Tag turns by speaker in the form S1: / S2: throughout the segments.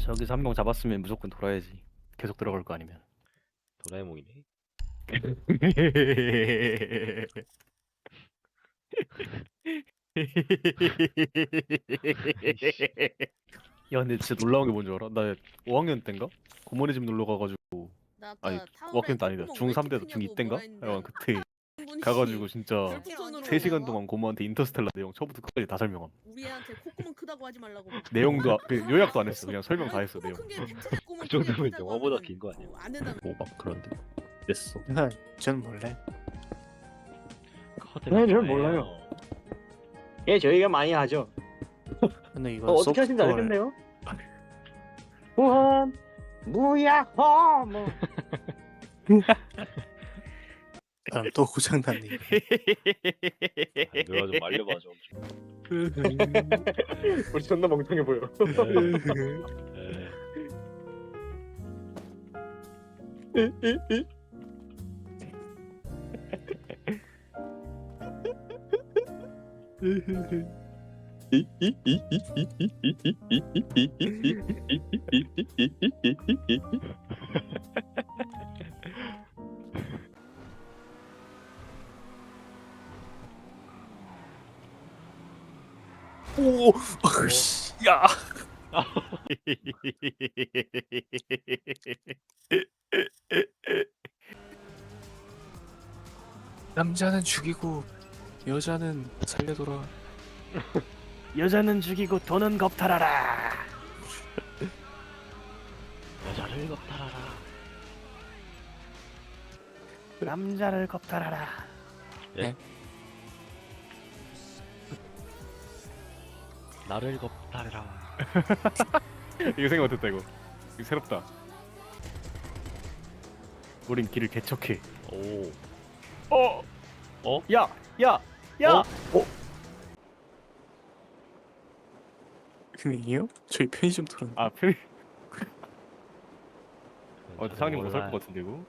S1: 저기서 한 명 잡았으면 무조건 돌아야지. 계속 들어갈 거 아니면.
S2: 도라에몽이네. 아이씨.
S1: 야 근데 진짜 놀라운 게 뭔지 알아? 나 5학년 때인가? 고모네 집 놀러 가가지고
S3: 나
S1: 아니
S3: 아까 타월에
S1: 5학년 때 아니다
S3: 콧구멍 왜 이렇게
S1: 중3 때도
S3: 크냐고
S1: 중2
S3: 뭐라
S1: 때인가?
S3: 했는데
S1: 야 그때
S3: 한 분이
S1: 가가지고 진짜
S3: 별풍선으로
S1: 3시간 동안 고모한테 인터스텔라 내용 처음부터 끝까지 다 설명함.
S3: 우리 애한테 콧구멍 크다고 하지 말라고 막.
S1: 내용도 그 요약도 안 했어. 그냥 설명 다 했어 내용.
S3: 콧구멍 큰게 팩트다. 콧구멍
S2: 그 정도면
S3: 크다고
S2: 영화보다
S3: 하면은
S2: 긴 거 아니야?
S3: 안 된다.
S2: 뭐 막 그런데 됐어.
S4: 전 몰라요.
S2: 네,
S5: 전 몰라요. 예, 저희가 많이 하죠.
S4: 근데 이거
S5: 어떻게 하신지
S4: 소프트웨어를-
S5: 알겠네요. 우한 무야호 뭐.
S4: 아, 또 고장났네.
S2: 누가 좀 말려봐 좀.
S5: 우리 존나 멍청해 보여.
S4: 오, 씨, 야. 남자는 죽이고 여자는 살려둬라.
S1: 여자는 죽이고 돈은 겁탈하라.
S2: 여자를 겁탈하라.
S1: 남자를 겁탈하라.
S2: 예? 나를 겁탈해라.
S1: 이거 생각 못했다 이거. 이거 새롭다. 우린 길을 개척해.
S2: 오.
S1: 어?
S2: 어?
S1: 야! 야! 야!
S4: 흥이요? 저희 편의점 털었는데.
S1: 아 편히 사장님 못살 것 같은데 이거?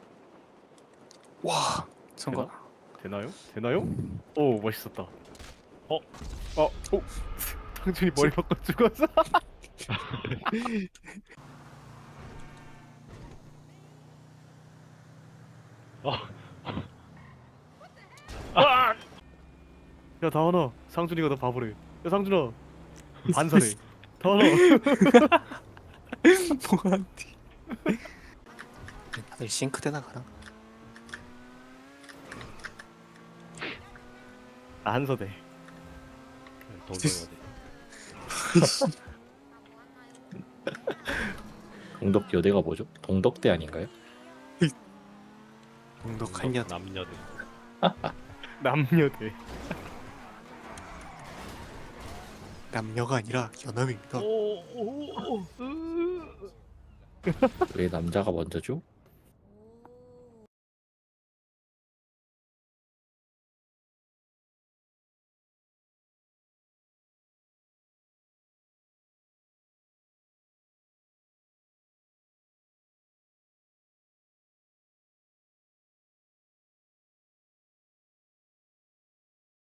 S4: 와, 성공.
S1: 되나요? 되나요? 오 멋있었다.
S2: 어?
S1: 오! 상준이 머리 바꿔 죽었어. 야 다원아, 상준이가 너 바보래. 야 상준아, 반사래. 다원아.
S4: 뭐한테? 다들 싱크대 나가라.
S1: 나 한서대.
S2: 동덕여대. 동덕여대가 뭐죠? 동덕대 아닌가요?
S4: 동덕한 년.
S2: 남녀대.
S1: 남녀대.
S4: 남녀가 아니라 연합입니다.
S2: 왜 남자가 먼저죠?